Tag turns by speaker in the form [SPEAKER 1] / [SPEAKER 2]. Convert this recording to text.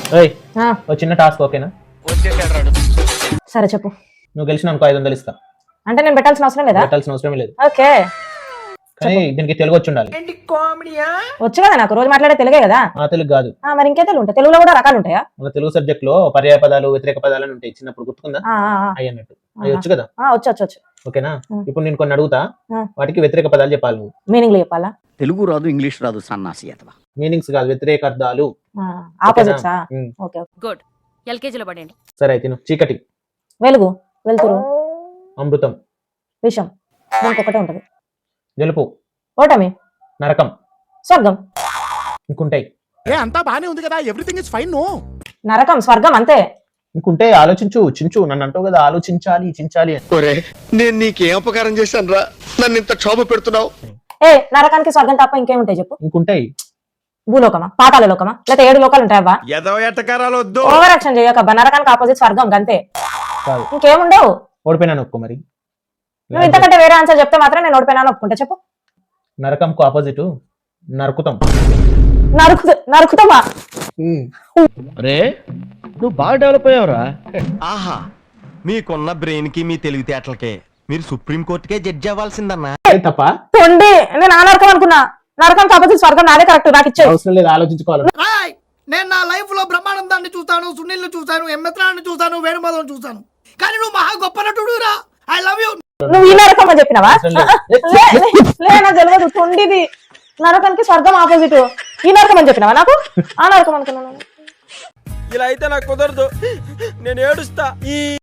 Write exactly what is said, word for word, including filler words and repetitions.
[SPEAKER 1] ఓయ్ ఓ చిన్న టాస్క్ ఓకేనా?
[SPEAKER 2] సరే చెప్పు.
[SPEAKER 1] నువ్వు గెలిచిన అనుకో ఐదు వందలు ఇస్తా.
[SPEAKER 2] అంటే నేను పెట్టాల్సిన అవసరం లేదా?
[SPEAKER 1] పెట్టాల్సిన అవసరం లేదు.
[SPEAKER 2] ఓకే.
[SPEAKER 1] కానీ దీనికి తెలుగు వచ్చి ఉండాలి.
[SPEAKER 2] వచ్చు కదా నాకు, రోజు మాట్లాడే తెలుగే కదా.
[SPEAKER 1] ఆ తెలుగు కాదు.
[SPEAKER 2] మరి ఇంకే తెలుగు ఉంటాయి. తెలుగులో కూడా రకాలు ఉంటాయా?
[SPEAKER 1] మన తెలుగు సబ్జెక్ట్ లో పర్యాయ పదాలు వ్యతిరేక పదాలు అని ఉంటాయి. చిన్నప్పుడు గుర్తుకుందా? అయ్యి అన్నట్టు అవి వచ్చు కదా?
[SPEAKER 2] వచ్చు వచ్చు వచ్చు.
[SPEAKER 1] ఓకేనా? ఇప్పుడు నేను కొన్ని అడుగుతా, వాటికి వ్యతిరేక పదాలు చెప్పాలి నువ్వు.
[SPEAKER 2] మీనింగ్ చెప్పాలా?
[SPEAKER 3] తెలుగు రాదు, ఇంగ్లీష్ రాదు, సన్నాసి అతవా.
[SPEAKER 1] మీనింగ్స్ కాదు, వ్యతిరేక అర్థాలు.
[SPEAKER 2] ఆపోజిట్సా? Okay
[SPEAKER 4] good. ఎల్కేజీలో పడండి.
[SPEAKER 1] సరే అయితే చీకటి,
[SPEAKER 2] వెలుగు, వెలుతురు,
[SPEAKER 1] అమృతం,
[SPEAKER 2] విషం, ఇంకొకటే ఉంటది.
[SPEAKER 1] గెలుపు,
[SPEAKER 2] ఓటమి,
[SPEAKER 1] నరకం,
[SPEAKER 2] స్వర్గం.
[SPEAKER 1] ఇంకుంటాయి.
[SPEAKER 5] ఏ అంతా బానే ఉంది కదా, ఎవ్రీథింగ్ ఇస్ ఫైన్. నో
[SPEAKER 2] నరకం స్వర్గం అంతే.
[SPEAKER 1] ఇంకుంటే ఆలోచించు, చించు. నన్ను అంటావు కదా ఆలోచించాలి చించాలి.
[SPEAKER 5] నేను నీకేం అపకారం చేశాను రా, నన్ను ఇంత క్షోభ పెడుతున్నావు?
[SPEAKER 2] ఏ నరకానికి స్వర్గం తప్ప ఇంకేముంటాయి చెప్పు?
[SPEAKER 1] ఇంకుంటాయి.
[SPEAKER 2] భూలోకమా, పాతాళ లోకమా, లేకపోతే ఏడు లోకాలు ఉంటాయా?
[SPEAKER 5] ఏదో ఎట్టకారాలు వద్దు,
[SPEAKER 2] ఓవర్ యాక్షన్ చేయకబ్బా. నరకానికి ఆపోజిట్ స్వర్గం అంతే,
[SPEAKER 1] కాదు.
[SPEAKER 2] ఇంకేముండవు.
[SPEAKER 1] ఓడిపోయినాను ఒప్పుకో మరి.
[SPEAKER 2] నువ్వు ఇంతకంటే వేరే ఆన్సర్ చెప్తే మాత్రం నేను ఓడిపోయినాను ఒప్పుకుంటా. చెప్పు.
[SPEAKER 1] నరకంకు ఆపోజిట్ నరుకుతాం.
[SPEAKER 2] నరుకు నరుకుతామా?
[SPEAKER 3] రే నువ్వు బాగా డెవలప్ అయ్యావురా.
[SPEAKER 6] ఆహా, మీకున్న బ్రెయిన్ కి మీ తెలివితేటలకే మీరు సుప్రీం కోర్టుకే జడ్జి అవ్వాల్సిందన్నా.
[SPEAKER 1] తప్ప
[SPEAKER 2] తొండి. నేను ఆ నరకం అనుకున్నా. నరకం ఆపోజిట్ స్వర్గం నాదే కరెక్ట్. నాకు ఇచ్చే
[SPEAKER 1] అవసరం లేదు, ఆలోచించుకోవాలి.
[SPEAKER 7] నేను నా లైఫ్ లో బ్రహ్మానందాన్ని చూస్తాను, సునీల్ చూసాను, ఎంఎత్రాన్ని చూసాను, వేణుమాధవ్ చూసాను, కానీ నువ్వు మహా గొప్ప నటుడు రా. I love you.
[SPEAKER 2] నువ్వు ఈ నరకం అని చెప్పినావా? నాకు తెలియదు. తొండిది నరకానికి స్వర్గం ఆపోజిట్. ఈ నరకం అని చెప్పినావా నాకు? ఆ నరకం అనుకున్నాను.
[SPEAKER 8] ఇలా అయితే నాకు కుదరదు, నేను ఏడుస్తా.